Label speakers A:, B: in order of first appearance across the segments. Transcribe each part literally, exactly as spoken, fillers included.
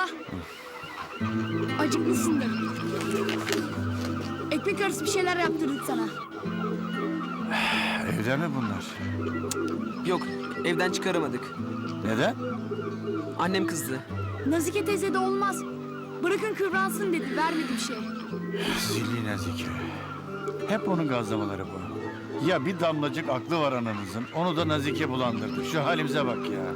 A: Baba. Acıklısındır. Ekmek arası bir şeyler yaptırdık sana.
B: Evde mi bunlar?
C: Yok, evden çıkaramadık.
B: Neden?
C: Annem kızdı.
A: Nazike teyze de olmaz. Bırakın kıvransın dedi. Vermedi bir şey.
B: Zilli Nazike. Hep onun gazlamaları bu. Ya bir damlacık aklı var ananızın. Onu da Nazike bulandırdı. Şu halimize bak ya.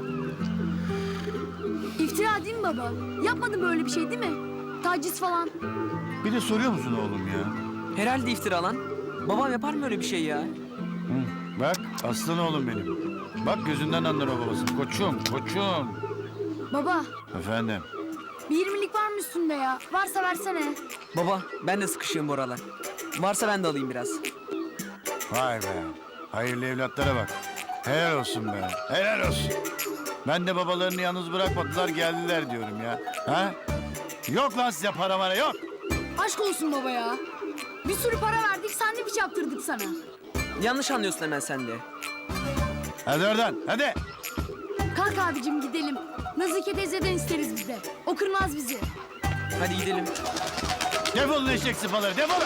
A: İftira değil mi baba? Yapmadı böyle bir şey değil mi? Taciz falan.
B: Bir de soruyor musun oğlum ya?
C: Herhalde iftira lan. Babam yapar mı öyle bir şey ya?
B: Hı, bak aslan oğlum benim. Bak gözünden anlar o babası. Koçum, koçum.
A: Baba,
B: Efendim.
A: bir yirmilik var mı üstünde ya? Varsa versene.
C: Baba, ben de sıkışığım bu aralar. Varsa ben de alayım biraz.
B: Vay be. Hayırlı evlatlara bak. Helal olsun be. Helal olsun. Ben de babalarını yalnız bırakmadılar geldiler diyorum ya. Ha? Yok lan size para mara yok.
A: Aşk olsun baba ya. Bir sürü para verdik, sandviç yaptırdık sana.
C: Yanlış anlıyorsun hemen sen de.
B: Hadi oradan hadi.
A: Kalk abicim gidelim. Nazike teyzeden isteriz biz de. O kırmaz bizi.
C: Hadi gidelim.
B: Defolun eşek sıpaları defolun.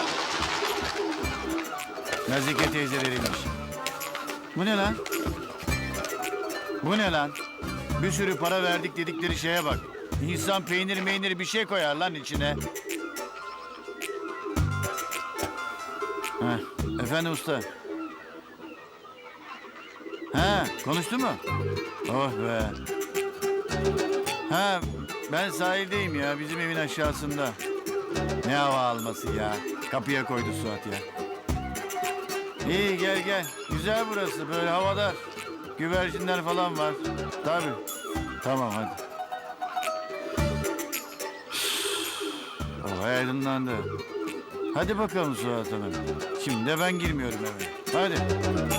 B: Nazike teyzeleriymiş. Bu ne lan? Bu ne lan? Bir sürü para verdik dedikleri şeye bak. İnsan peynir meynir bir şey koyar lan içine. Heh, efendim usta. Ha, konuştu mu? Oh be. Ha, ben sahildeyim ya, bizim evin aşağısında. Ne hava alması ya. Kapıya koydu Suat ya. İyi gel gel. Güzel burası, böyle havadar. Güvercinler falan var. Tabii. Tamam hadi. Oh aydınlandı. Hadi bakalım Suat Hanım. Şimdi de ben girmiyorum eve. Hadi.